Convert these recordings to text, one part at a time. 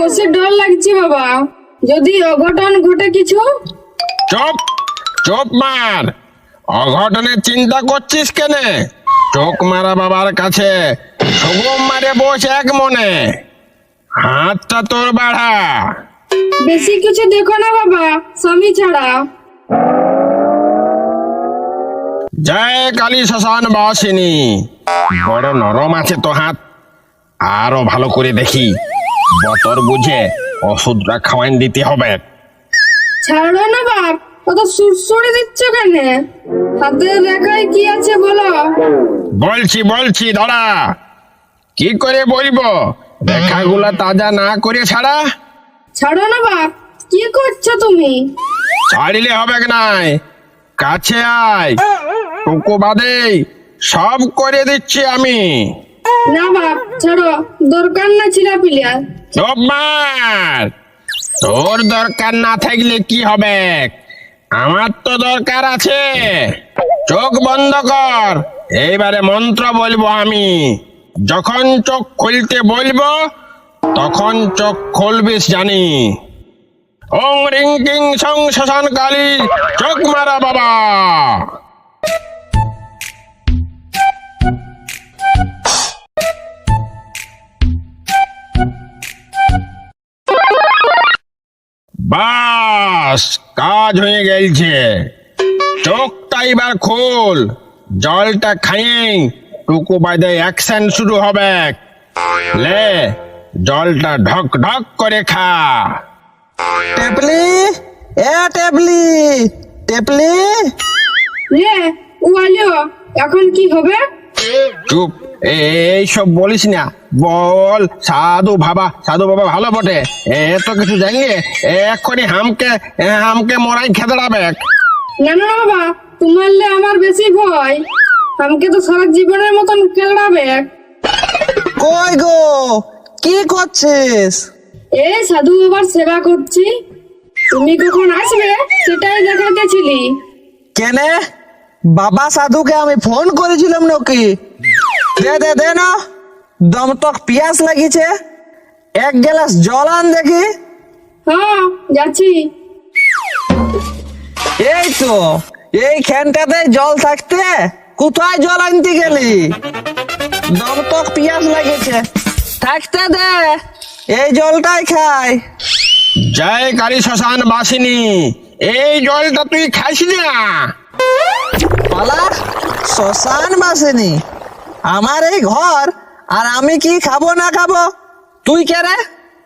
বসে ডর লাগছে বাবা, যদি অঘটন ঘটে কিছু। চুপ চুপ মার, অঘটনের চিন্তা করছিস কেন? চোখ মারা বাবার কাছে সুগম মারে বস এক মনে, হাতটা তোর বাড়া। বেশি কিছু দেখো না বাবা, স্বামী ছাড়া। জয় কালী শ্মশান বাসিনী। বড় নরম আছে তো হাত, আরো ভালো করে দেখি, বতর বুঝে ওষুধটা খাওয়াইন দিতে হবে। ছাড়ো না বাপ, কত সুরসুরি দিচ্ছ কেন? হাতের রেখায় কি আছে বলো। বলছি বলছি দাঁড়া, কি করে বলবো? রেখাগুলা তাজা না করে ছাড়া। ছাড়ো না বাপ, কি করছো তুমি? ছাড়িলে হবে নাই, কাছে আয়, টুকু বাদেই সব করে দিচ্ছি আমি। না বাপ ছাড়ো, দরকার না ছিলা পিলিয়া। চুপ মার, তোর দরকার না থাকলে কি হবে, আমার তো দরকার আছে। চোখ বন্ধ কর, এইবারে মন্ত্র বলবো আমি। যখন চোখ খুলতে বলবো তখন চোখ খুলবিস জানি। ওং রিং কিং সং শ্মশান কালী, চোখ মারা বাবা। বাস, কাজ হয়ে গেছে। চোখটা এবার খোল, জলটা খাইয়ে টুকু বাদে অ্যাকশন শুরু হবে। লে, জলটা ঢক ঢক করে খা। টেপলি, এ টেপলি, টেপলি। রে ও আলিও, এখন কি হবে? চুপ, এইসব বলিস না, বল সাধু বাবা। সাধু বাবা ভালো বটে, এত কিছু জানিয়ে এক্ষুনি হামকে মরাই খেদড়াবে। না না বাবা, তোমারলে আমার বেশি ভয়। আমাকে তো সারা জীবনের মতন কেলাবে। কই গো, কি করছিস? এই সাধু বাবার সেবা করছি। তুমি কখন আসবে সেটাই দেখাতেছিলি। কেনে বাবা সাধুকে আমি ফোন করেছিলাম নাকি? দে দে দে না, দম তক পিয়াস লাগিছে, এক গ্লাস জল আন দেখি। হ্যাঁ যাচ্ছি। এই তো এইখানটাতে জল থাকতে কোথায় জল আনতে গেলি? দম তক পিয়াস লাগিছে, থাকতে দে, এই জলটাই খাই। জয় কালী শ্মশান বাসিনী, এই জলটা তুই খাইস না। পালা, শ্মশান বাসিনী আমার এই ঘর, আর আমি কি খাবো না খাবো? তুই কে রে?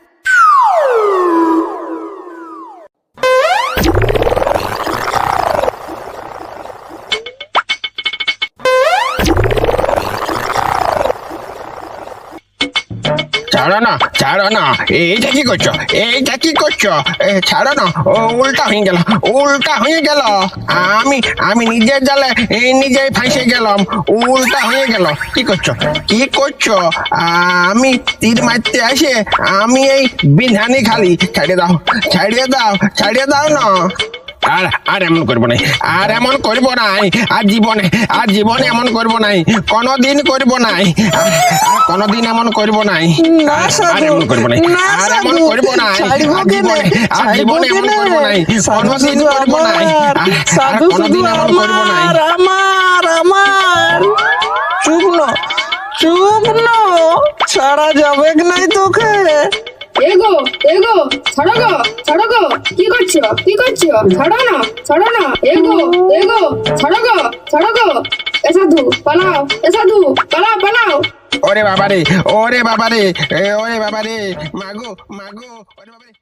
ছাড়ো না, ছাড়ো না, এইটা কি করছো? এইটা কি করছো? ছাড়ো না, উল্টা হয়ে গেল, উল্টা হয়ে গেল। আমি নিজের জালে নিজেই ফাঁসে গেলাম, উল্টা হয়ে গেল। কি করছো, কি করছো? আমি তীর মারতে আসে আমি এই বিধানি খালি। ছাড়িয়ে দাও, ছাড়িয়ে দাও, ছাড়িয়ে দাও না। আর এমন করবো নাই, আর এমন করবো নাই, আর জীবনে এমন করবো নাই, কোনদিন করবো নাই, আর কোনদিন এমন করবো নাই, না আর সাধু, এমন করবো নাই, না আর এমন সাধু, করবো নাই, ছাড়বো আর কেনে? জীবনে এমন করবো নাই, কোনদিন শুধু করবো নাই, আমার, আর সাধু শুধু কোনদিন এমন করবো নাই। আমার। চুপ ন, চুপ ন, ছাড়া যাবে নাই তোকে। এগো এগো, ছাড়ো গো, ছাড়ো গো। কি করছো, কি করছো? ছাড়ো না, ছাড়ো না। এগো এগো, ছাড়ো গো, ছাড়ো গো। এ সাধু পালাও, এ সাধু পালাও, পালাও। ওরে বাবারে, ওরে বাবারে, ওরে বাবারে, মাগো মাগো, ওরে বাবারে।